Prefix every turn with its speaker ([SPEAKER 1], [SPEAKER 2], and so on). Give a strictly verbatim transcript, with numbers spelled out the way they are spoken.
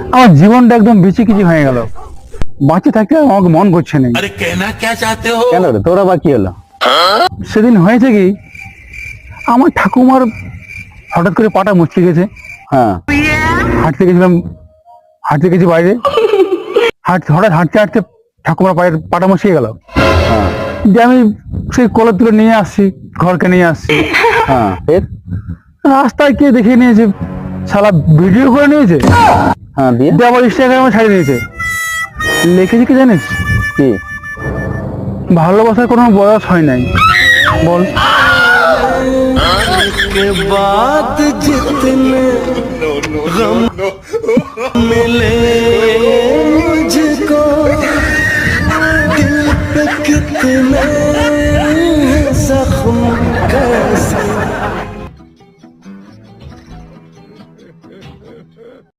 [SPEAKER 1] আমার জীবনটা একদম বেশি কিছু হয়ে গেল। বাঁচে থাকতে আমাকে মন করছে না। কেন রে, তোরা বা কি হলো? সেদিন হয়েছে কি, আমার ঠাকুমার হঠাৎ করে পাটা মুচকে গেছে। হ্যাঁ, হাঁটতে গেছিলাম, হাঁটতে গেছি বাইরে, হাঁটতে হঠাৎ হাঁটতে হাঁটতে ঠাকুমার পায়ের পাটা মুচকে গেল। হ্যাঁ, যে আমি সেই কোলে তুলে নিয়ে আসছি, ঘরকে নিয়ে আসছি। হ্যাঁ, রাস্তায় কে দেখে নিয়েছে, শালা ভিডিও করে নিয়েছে। হ্যাঁ, দিয়ে আবার ইনস্টাগ্রামে ছাড়িয়ে দিয়েছে। লিখেছে কি জানিস কি? ভালোবাসার কোনো বয়স হয় নাই, বল।
[SPEAKER 2] के बाद जितने गम मिले मुझको दिल पे कितने